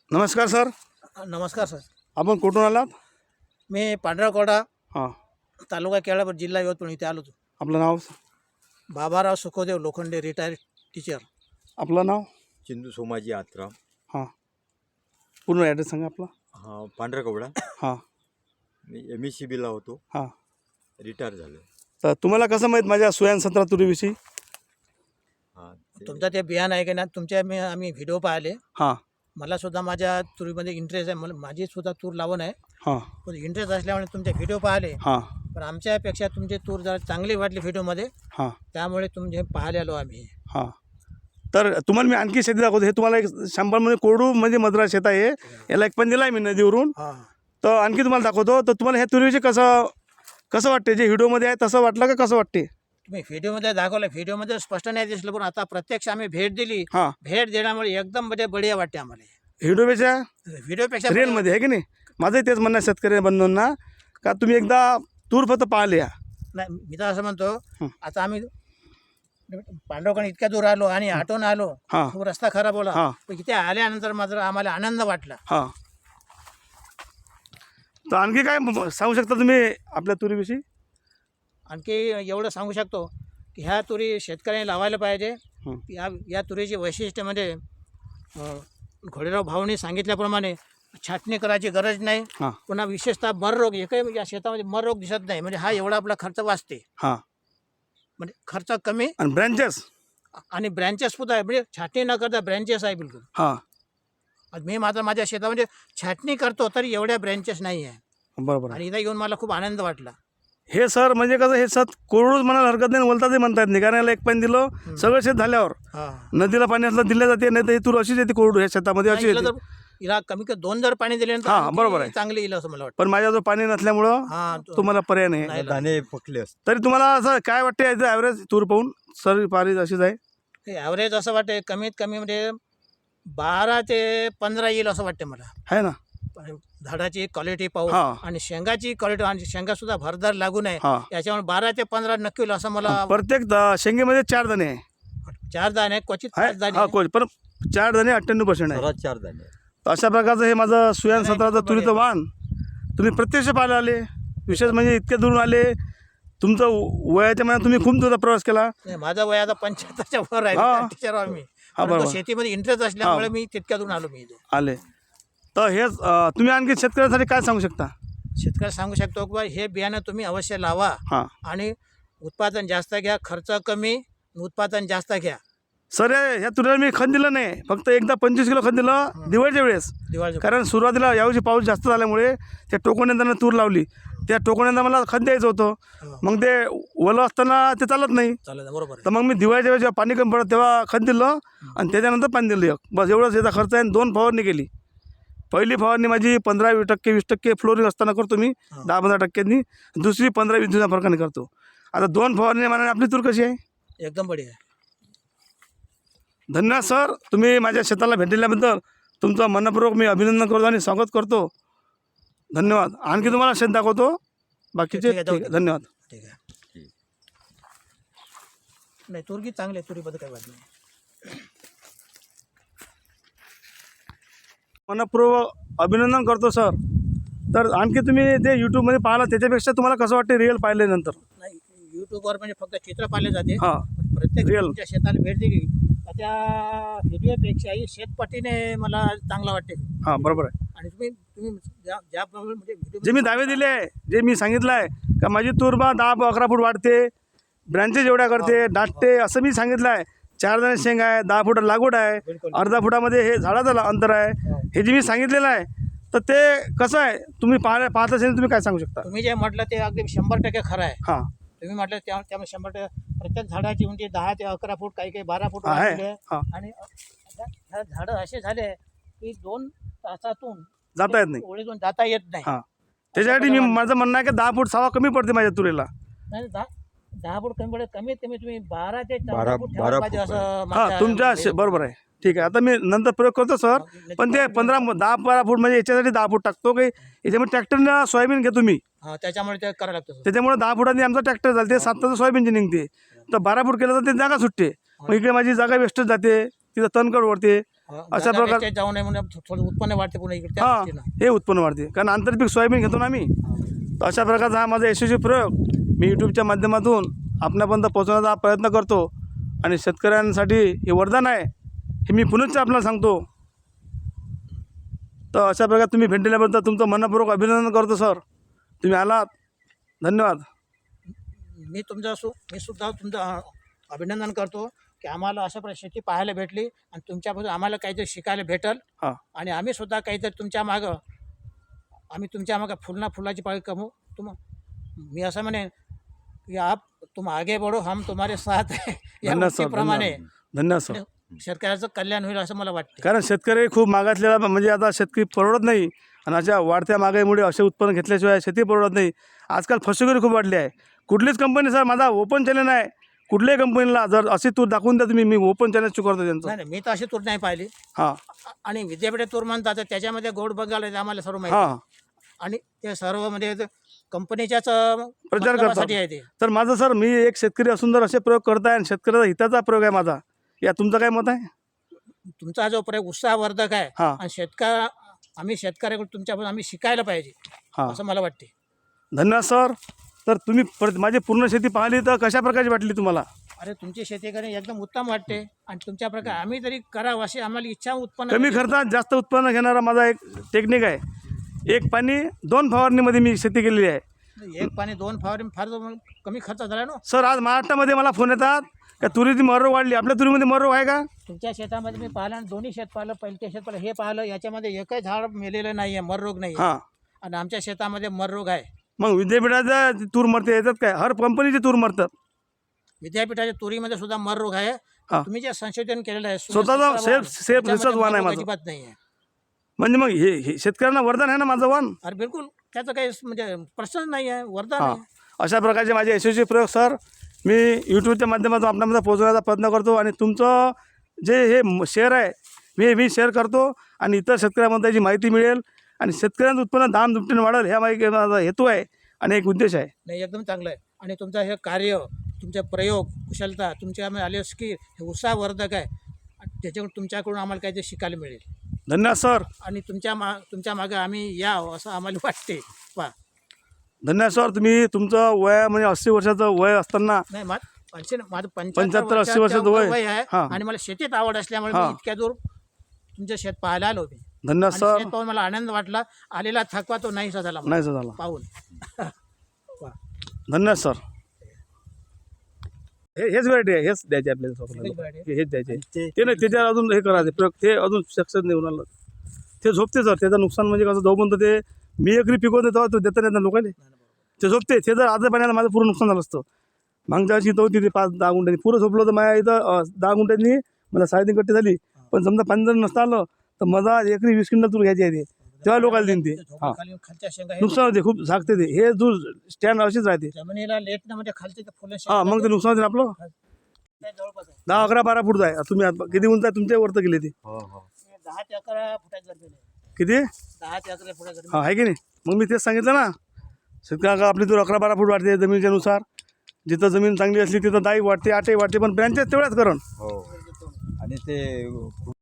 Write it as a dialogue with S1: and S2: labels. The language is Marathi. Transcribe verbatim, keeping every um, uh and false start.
S1: नमस्कार सर.
S2: नमस्कार सर.
S1: आपण कुठून आलात?
S2: मी पांढराकोडा
S1: हां.
S2: तालुका केळापूर जिल्हा यवतमाळ इथे आलो होतो.
S1: आपलं नाव?
S2: Baburao Sukhdev Lokhande retired teacher.
S1: आपलं नाव?
S3: चिंदू सोमाजी आत्राम.
S1: हां. पूर्ण ॲड्रेस सांगा आपला.
S3: हा पांढराकवडा.
S1: हां.
S3: मी एम एस सी बीला होतो,
S1: हां.
S3: रिटायर झालो.
S1: तर तुम्हाला कसं माहीत माझ्या सुयान सतरा तुरीविषयी?
S3: हां
S2: तुमचं ते बियाणं आहे की ना, तुमच्या मी आम्ही व्हिडिओ पाहिले.
S1: हां.
S2: मला सुद्धा माझ्या तुरीमध्ये इंटरेस्ट आहे. मला माझी सुद्धा तूर लावण आहे.
S1: हां.
S2: पण इंटरेस्ट असल्यामुळे तुमचे व्हिडिओ पाहिले.
S1: हां.
S2: पण आमच्यापेक्षा तुमची तूर जरा चांगली वाटली व्हिडिओमध्ये.
S1: हां.
S2: त्यामुळे तुमचे पाहायला आलो आम्ही.
S1: हां. तर तुम्हाला मी आणखी शेती दाखवतो. हे तुम्हाला एक शंभरमध्ये कोरडू म्हणजे मद्रा शेत आहे. याला एक पण दिला आहे मी नदीवरून.
S2: हां.
S1: तर आणखी तुम्हाला दाखवतो. तर तुम्हाला ह्या तुरीविषयी कसं कसं वाटते? जे व्हिडिओमध्ये आहे तसं वाटलं का कसं वाटते?
S2: तुम्ही व्हिडिओमध्ये दाखवलं, व्हिडिओमध्ये स्पष्ट नाही दिसलं, पण आता प्रत्यक्ष आम्ही भेट दिली.
S1: हां.
S2: भेट देण्यामुळे एकदम म्हणजे बढिया वाटते आम्हाला.
S1: व्हिडिओपेक्षा
S2: व्हिडिओपेक्षा
S1: रिअलमध्ये आहे की नाही? माझंही तेच म्हणणं आहे शेतकरी बंधूंना का तुम्ही एकदा तूर फक्त पाहिले या.
S2: नाही, मी तर असं म्हणतो.
S1: हं.
S2: आता आम्ही पांडवकडे इतक्या दूर आलो आणि आटोन आलो.
S1: हां.
S2: खूप रस्ता खराब होला.
S1: हां.
S2: पण इथे आल्यानंतर मात्र आम्हाला आनंद वाटला.
S1: हां. तर आणखी काय म- सांगू शकता तुम्ही आपल्या तुरीविषयी?
S2: आणखी एवढं सांगू शकतो की ह्या तुरी शेतकऱ्यांनी लावायला पाहिजे.
S1: हं.
S2: या या तुरीची वैशिष्ट्य म्हणजे अं, घोडेराव भाऊनी सांगितल्याप्रमाणे छाटणी करायची गरज नाही.
S1: हां.
S2: पुन्हा विशेषतः मर रोग एकही या शेतामध्ये मर रोग दिसत नाही. म्हणजे हा एवढा आपला खर्च वाचते.
S1: हां.
S2: म्हणजे खर्च कमी
S1: आणि ब्रँचेस?
S2: आणि ब्रँचेस सुद्धा आहे. म्हणजे छाटणी न करता ब्रँचेस आहे बिलकुल.
S1: हां.
S2: आज मी मात्र माझ्या शेतामध्ये छाटणी करतो तरी एवढ्या ब्रँचेस नाही आहे.
S1: बरोबर आहे.
S2: आणि इथं येऊन मला खूप आनंद वाटला.
S1: हे सर म्हणजे कसं हे सत कोरडूच म्हणायला हरकत नाही, बोलतात म्हणतात नाही, कारण याला एक पाणी दिलं सगळं शेत झाल्यावर
S2: हां.
S1: नदीला पाणी असलं दिलं जाते, नाही तर ही तूर अशीच येते कोरडू ह्या शेतामध्ये अशी
S2: नाही, इला
S1: येते.
S2: जर हिला कमी कमी दोन जर पाणी दिले
S1: हां,
S2: तर
S1: बरोबर आहे.
S2: चांगली येईल असं मला वाटतं.
S1: पण माझ्याजवळ पाणी नसल्यामुळं
S2: हां, तो-
S1: तुम्हाला पर्याय नाही.
S2: नाही.
S3: दाणे पकले असते.
S1: तरी तुम्हाला असं काय वाटते याचं ॲव्हरेज तूर पाहून? सर पारी अशीच आहे?
S2: हे ॲव्हरेज असं वाटते कमीत कमी म्हणजे बारा ते पंधरा येईल असं वाटते मला.
S1: आहे ना?
S2: पण झाडाची क्वालिटी पाहून
S1: हां.
S2: आणि शेंगाची क्वालिटी आणि शेंगा सुद्धा भरदार लागू नये
S1: हां.
S2: याच्यामुळे बारा ते पंधरा नक्की होईल असं मला.
S1: प्रत्येक द- शेंगेमध्ये चार दाणे आहे.
S2: चार दाणे क्वचित
S1: आहे?
S2: पाच दाणे.
S1: हा कोच पण चार दाणे अठ्ठ्याण्णव पर्सेंट आहे.
S3: सर्वात चार दाणे.
S1: तर अशा प्रकारचं हे माझं सुयान
S2: नाही,
S1: सतराचं
S2: खूप
S1: तुरीचं
S2: बढिया.
S1: वाण तुम्ही प्रत्यक्ष पाहायला आले. विशेष म्हणजे इतक्या दुरून आले. तुमचं वयाच्या मनात तुम्ही खूप दूरचा प्रवास केला.
S2: नाही, माझं वय आता पंच्याहत्तरच्या वर आहे.
S1: हां.
S2: टीचर आहे मी.
S1: हा,
S2: परंतु
S1: बरोबर.
S2: शेतीमध्ये इंटरेस्ट असल्यामुळे मी तितक्यातून आलो मी इथे.
S1: आले तर हेच अं, तुम्ही आणखी शेतकऱ्यांसाठी काय सांगू शकता?
S2: शेतकऱ्याला सांगू शकतो की बा हे बियाणं तुम्ही अवश्य लावा
S1: हां.
S2: आणि उत्पादन जास्त घ्या, खर्च कमी, उत्पादन जास्त घ्या.
S1: सर हे- ह्या तुरीला मी खत दिलं नाही, फक्त एकदा पंचवीस किलो खत दिलं दिवाळीच्या वेळेस.
S2: दिवाळी
S1: कारण सुरुवातीला यावर्षी पाऊस जास्त झाल्यामुळे त्या टोकण्यानं तूर लावली. त्या टोकण्यानं मला खत द्यायचं होतं. मग ते ओलं असताना ते चालत नाही.
S2: चालेल, बरोबर आहे.
S1: तर मग मी दिवाळीच्या वेळेस जेव्हा पाणी कमी पडत तेव्हा खत दिलं आणि त्याच्यानंतर पाणी दिलं एक. बस एवढंच याचा खर्च आहे. आणि दोन फवारणी केली. पहिली फवारणी माझी पंधरा वीस टक्के वीस टक्के फ्लोरिंग असताना करतो मी,
S2: हां.
S1: दहा पंधरा टक्क्यांनी. दुसरी पंधरा वीस दिवसा फरकाने करतो. आता दोन फवारणी मानाने आपली तूर कशी आहे?
S2: एकदम बढिया आहे.
S1: धन्यवाद सर. तुम्ही माझ्या शेताला भेट दिल्याबद्दल तुमचं मनपूर्वक मी अभिनंदन करतो आणि स्वागत करतो. धन्यवाद. आणखी तुम्हाला शेत दाखवतो बाकीचे.
S2: ठीक आहे, जाऊ
S1: ठीक आहे,
S2: दे.
S1: धन्यवाद.
S2: ठीक आहे. नाही, तुरगी चांगली आहे, तुरीबद्दल काही वाद नाही.
S1: मनपूर्वक अभिनंदन करतो सर. तर आणखी तुम्ही ते यूट्यूबमध्ये पाहिलं त्याच्यापेक्षा तुम्हाला कसं वाटते रिअल पाहिल्यानंतर?
S2: नाही, युट्यूबवर म्हणजे फक्त चित्र पाहिले जाते.
S1: हां.
S2: पण प्रत्येक
S1: Real.
S2: तुमच्या शेताला भेट दिली तर त्या व्हिडिओपेक्षाही शेतपटीने मला चांगलं वाटते.
S1: हां, बरोबर आहे.
S2: आणि तुम्ही तुम्ही ज्या ज्याप्रमाणे म्हणजे video
S1: जे मी दावे दिले आहे, जे मी सांगितलं आहे का माझी तूरबा दहा अकरा फूट वाढते, ब्रँचेस एवढ्या करते, दाटते, असं मी सांगितलं आहे. चार दाणे शेंग आहे, दहा फूट लागवड आहे,
S2: बिलकुल.
S1: अर्धा फुटामध्ये हे झाडाचं ला- अंतर आहे.
S2: हो.
S1: हे जे मी सांगितलेलं आहे तर ते कसं आहे तुम्ही पाहल्या पाहत असेल तुम्ही काय सांगू शकता?
S2: तुम्ही जे म्हटलं ते अगदी शंभर टक्के खरं आहे.
S1: हां.
S2: तुम्ही म्हटलं त्या त्यामुळे शंभर टक्के प्रत्येक झाडाची उंची दहा ते अकरा फूट, काही काही बारा फूट
S1: आहे.
S2: वाढलेली आहे.
S1: हां.
S2: आणि आता ह्या झाडं असे झाले की दोन तासातून
S1: जाता येत नाही.
S2: ओळीतून जाता येत नाही.
S1: हां. त्याच्यासाठी मी माझं म्हणणं आहे की दहा फूट सवा कमी पडते माझ्या तुरीला.
S2: नाही, दहा दहा फूट कमी पडत, कमीत कमी तुम्ही बारा ते चौदा
S3: बारा-
S2: फूट
S3: बारा
S2: ठेवायला पाहिजे
S3: फूट
S2: असं
S1: हां,
S2: माझ्या-
S1: तुमच्या शे- बरोबर आहे. ठीक आहे. आता मी नंतर प्रयोग करतो सर. पण ते पंधरा दहा बारा फूट म्हणजे याच्यासाठी दहा फूट टाकतो की याच्यामध्ये ट्रॅक्टरनं सोयाबीन घेतो मी.
S2: हां, त्याच्यामुळे ते करावं लागतं सर.
S1: त्याच्यामुळे दहा फुटांनी आमचा ट्रॅक्टर चालते, सात तास सोयाबीनची निघते. तर बारा फूट केलं तर ते जागा सुटते. मग इकडे माझी जागा वेस्टच जाते, तिथं तणकड ओढते. अशा प्रकार-
S2: प्रकार जाऊ नये म्हणून थोडं उत्पन्न वाढते पुन्हा इकडे त्या
S1: हां
S2: दृष्टीनं.
S1: हे उत्पन्न वाढते कारण आंतरपीक सोयाबीन घेतो ना आम्ही. तर अशा प्रकारचा हा माझा यशस्वी प्रयोग मी यूट्यूबच्या माध्यमातून आपणापर्यंत पोहोचवण्याचा प्रयत्न करतो आणि शेतकऱ्यांसाठी हे वरदान आहे हे मी पुनश्च आपल्याला सांगतो. तर अशा प्रकारे तुम्ही भेट दिल्याबद्दल तुमचं मनपूर्वक अभिनंदन करतो सर. तुम्ही आलात, धन्यवाद.
S2: मी तुमचा सु मी सुद्धा तुमचं अ, अभिनंदन करतो की आम्हाला अशा प्रकारे शेती पाहायला भेटली आणि तुमच्यापासून आम्हाला काहीतरी शिकायला भेटल.
S1: हां
S2: आणि आम्ही सुद्धा काहीतरी तुमच्या मागं आम्ही तुमच्या मागं फुलना फुलाची पाळी कमवू. तुम मी असं म्हणेन की आप तुम आगे बढो हम तुम्हारे साथ है या
S1: धन्यवाद सर,
S2: उक्तीप्रमाणे
S1: धन्यवाद सर.
S2: शेतकऱ्याचं कल्याण होईल असं मला वाटतं.
S1: कारण शेतकरी खूप मागासलेला म्हणजे आता शेतकरी परवडत नाही आणि अशा वाढत्या महागाईमुळे असे उत्पन्न घेतल्याशिवाय शेती परवडत नाही. आजकाल फसवेगिरी खूप वाढली आहे. कुठलीच कंपनी सर माझा ओपन चॅनल आहे कुठल्याही कंपनीला जर अशी तूर दाखवून द्या तुम्ही मी ओपन चॅनल स्वीकारतो त्यांचं.
S2: नाही नाही मी तर अशी तूर नाही पाहिली.
S1: हां
S2: आणि विद्यापीठ तूर म्हणतात तर त्याच्यामध्ये गोड बंगाल आहे, आम्हाला सर्व माहिती
S1: हां
S2: आहे. आणि ते सर्व म्हणजे कंपनीच्याच अ,
S1: प्रचार
S2: मतलबासाठी आहे
S1: करतात.
S2: ते.
S1: तर माझं सर मी एक शेतकरी असून जर असे प्रयोग करताय आणि शेतकऱ्याचा हिताचा प्रयोग आहे माझा, या तुमचं काय मत आहे?
S2: तुमचा जो प्रयोग उत्साहवर्धक आहे
S1: हां
S2: आणि शेतकऱ्या आम्ही शेतकऱ्याकडून तुमच्यापासून आम्ही शिकायला पाहिजे
S1: हां
S2: असं मला वाटते.
S1: धन्यवाद सर. तर तुम्ही पर माझी पूर्ण शेती पाहिली तर कशा प्रकारची वाटली तुम्हाला?
S2: अरे तुमची शेती करणे एकदम उत्तम वाटते आणि तुमच्या प्रकारे आम्ही तरी करावं अशी आम्हाला इच्छा उत्पन्न
S1: कमी
S2: करते.
S1: खर्चात जास्त उत्पन्न घेणारा माझा एक टेक्निक आहे. एक पाणी दोन फवारणीमध्ये मी शेती केलेली आहे.
S2: एक पाणी दोन फवारे फार कमी खर्च झाला ना.
S1: सर आज महाराष्ट्रामध्ये मला फोन येतात का तुरीची मररोग वाढली. आपल्या तुरीमध्ये मररोग आहे का?
S2: तुमच्या शेतामध्ये मी पाहिलं आणि दोन्ही शेत पाहिलं, पहिलं शेत पाहिलं, हे पाहिलं, याच्यामध्ये एकही झाड मेलेलं नाही आहे, मर रोग नाही आहे.
S1: हां
S2: आणि आमच्या शेतामध्ये मर रोग आहे.
S1: मग विद्यापीठाचं तूर मरते येतात काय? हर कंपनीची तूर मरतात.
S2: विद्यापीठाच्या तुरीमध्ये सुद्धा मर रोग आहे.
S1: हां
S2: तुम्ही जे संशोधन केलेलं आहे
S1: स्वतःचा सेल्फ सेल्फ रिसर्च वाण आहे माझं.
S2: अजिबात नाही आहे.
S1: म्हणजे मग हे हे शेतकऱ्यांना वरदान आहे ना माझं वाण.
S2: अरे बिलकुल त्याचं काही म्हणजे प्रश्नच नाही आहे, वरदान
S1: हां
S2: आहे.
S1: अशा प्रकारचे माझे यशस्वी प्रयोग सर मी यूट्यूबच्या माध्यमातून आपल्यामध्ये पोहोचवण्याचा प्रयत्न करतो आणि तुमचं जे हे म- शेअर आहे मी मी शेअर करतो आणि इतर शेतकऱ्यांमध्ये याची माहिती मिळेल आणि शेतकऱ्यांचं उत्पन्न दाम दुपटीने वाढेल ह्या माहिती माझा हेतू आहे आणि एक उद्देश आहे.
S2: नाही एकदम चांगलं आहे. आणि तुमचं हे कार्य, तुमचे प्रयोग, कुशलता, तुमच्यामध्ये आले स्किल हे उत्साहवर्धक आहे. आणि त्याच्याकडून तुमच्याकडून आम्हाला काहीतरी शिकायला मिळेल.
S1: धन्यवाद सर.
S2: आणि तुमच्या मा तुमच्या मागं आम्ही यावं असं आम्हाला वाटते. पहा
S1: धन्यवाद सर. तुम्ही तुमचं वय म्हणजे अस्सी वर्षाचं वय असताना
S2: नाही मा पंचे माझं
S1: पंच्याहत्तर, अस्सी वर्षाचं वय.
S2: वय आहे.
S1: हां.
S2: आणि मला शेतीत आवड असल्यामुळे मी
S1: हां.
S2: इतक्या दूर तुमच्या शेत पाहायला आलो मी.
S1: धन्यवाद
S2: आणि
S1: सर.
S2: शेत पाहून मला आनंद वाटला. आलेला थकवा तो नाहीसा झाला मला
S1: नाही सर झाला.
S2: पाहून.
S1: धन्यवाद सर. हे हेच व्हरायटी आहे हेच द्यायचे आपल्याला स्वतःला.
S2: हेच variety
S1: हे- हेच द्यायचे
S3: ते-
S1: ते नाही त्याच्यावर अजून हे करायचे प्रयोग ते अजून सक्सेस नाही होणार. ते झोपते सर. त्याचं नुकसान म्हणजे कसं जोपर्यंत ते मी एकरी पिकवते तेव्हा तो देता येतात लोकांना ते झोपते. ते जर आज पाण्याला माझं पूर्ण नुकसान झालं असतं. मागच्या वर्षी तो होती ते पाच दहा गुंठ्यांनी पुरं झोपलं होतं माझ्या इथं अं, दहा गुंठ्यांनी मला साडेतीन कट्टे झाली. पण समजा पाणी जर नसतं आलं तर मला एकरी वीस क्विंटल तूर घ्यायची आहे ते तेव्हा लोकांना देईन ते. हां
S2: खाली खालच्या शेंगा हे
S1: नुकसान होते खूप झाकते ते. हे दूर स्टँड अशीच राहते.
S2: जमिनीला लेट ना म्हणजे खालचे ते फुलं
S1: हां मग ते नुकसान होते ना आपलं.
S2: शेंगा जवळपास आहे.
S1: दहा अकरा बारा फूट आहे. तुम्ही आता किती उंच आहे तुमच्या वरतं गेले ते
S3: हो हो
S2: हे दहा ते अकरा फुटाच्या जमीन आहे.
S1: किती?
S2: दहा ते अकरा फुटाच्या जमीन.
S1: हां आहे की नाही. मग मी तेच सांगितलं ना शेतकऱ्या आपली दूर अकरा बारा फूट वाढते जमिनीच्या नुसार. जिथं जमीन चांगली असली तिथं दाई वाढते आठही वाढते पण ब्रँचेस तेवढ्याच करण.
S3: हो आणि ते